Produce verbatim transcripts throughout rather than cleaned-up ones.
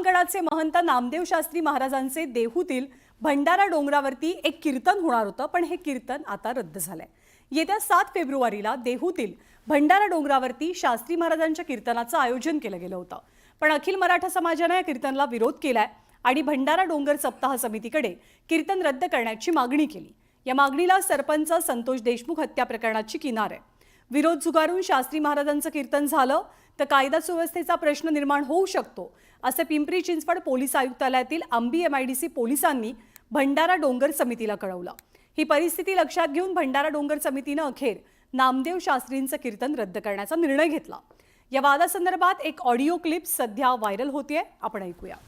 विरामगडाचे महंत नामदेव शास्त्री महाराजांचे देहूतील भंडारा डोंगरावरती एक कीर्तन होणार होतं, पण हे कीर्तन आता रद्द झालंय। येत्या सात फेब्रुवारीला देहूतील भंडारा डोंगरावरती शास्त्री महाराजांच्या कीर्तनाचं आयोजन केलं गेलं होतं, पण अखिल मराठा समाजाने या कीर्तनाला विरोध केलाय आणि भंडारा डोंगर सप्ताह समितीकडे कीर्तन रद्द करण्याची मागणी केली। या मागणीला सरपंच संतोष देशमुख हत्या प्रकरणाची किनार आहे। विरोध झुगारून शास्त्री महाराजांचं कीर्तन झालं तर कायदा सुव्यवस्थेचा प्रश्न निर्माण होऊ शकतो, असे पिंपरी चिंचवड पोलीस आयुक्तालयातील आंबी एमआयडीसी पोलिसांनी भंडारा डोंगर समितीला कळवलं। ही परिस्थिती लक्षात घेऊन भंडारा डोंगर समितीने अखेर नामदेव शास्त्रींचं कीर्तन रद्द करण्याचा निर्णय घेतला। या वादासंदर्भात एक ऑडिओ क्लिप सध्या व्हायरल होतीये, आपण ऐकूया।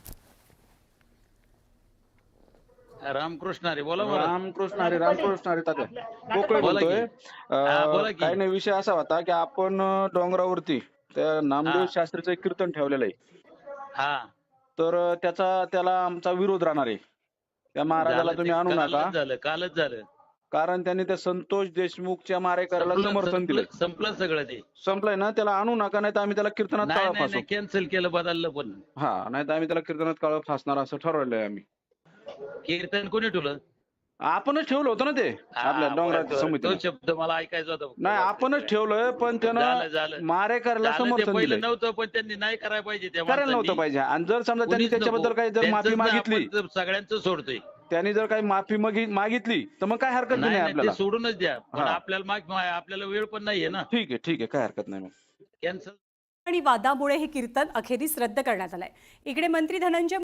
रामकृष्ण हरी बोला बोला रामकृष्ण हरी रामकृष्ण हरी तात्या कोकळे बोला की. बोलतोय। हा, बोला अं, की. काही नाही, विषय असा होता की आपण अं, डोंगरावरती त्या नामदेव हा. शास्त्रीचं एक कीर्तन ठेवलेलं आहे, हा तर अं, त्याचा त्याला आमचा विरोध राहणार आहे। त्या महाराजाला झालं तुम्ही ते, आणू कालच नका, झालं कालच झालं कारण त्यांनी त्या संतोष देशमुखच्या मारेकऱ्याला संपलं- समर्थन दिलंय। संपलं संपलं सगळं ते संपलंय ना, त्याला आणू नका, नाही तर आम्ही त्याला कीर्तनात नाही काळं नाही फासू। नाही कॅन्सल केलं, बदललं पण हा, नाही तर आम्ही त्याला कीर्तनात काळं फासणार असं ठरवलंय आम्ही। कीर्तन कोणी ठेवलं? आपणच ठेवलं होतं ना ते आपल्या हा, डोंगराच्या बरं, समितीने। तो शब्द मला ऐकायचा होता फक्त. नाही, आपणच ठेवलंय, पण झालं त्यानं झालं मारेकऱ्याला झालं, ते समर्थन पहिलं दिलंय। नव्हतं, पण त्यांनी नाही करायला पाहिजे त्या करायला नव्हतं माणसांनी. पाहिजे, आणि जर समजा त्यांनी कोणीच त्याच्याबद्दल नको. काही जर माफी त्यांचं मागितली, आपण जर सगळ्यांचं सोडतोय, त्यांनी जर काही माफी मागी- मागितली तर मग काय हरकत नाही नाही नाही, आपल्याला। ते सोडूनच द्या, पण हा. आपल्याला माग आपल्याला वेळ पण नाहीये ना, ठीक आहे ठीक आहे, काय हरकत नाही मग। कॅन्सल आणि वादामुळे हे कीर्तन अखेरीस रद्द करण्यात आलंय। इकडे मंत्री धनंजय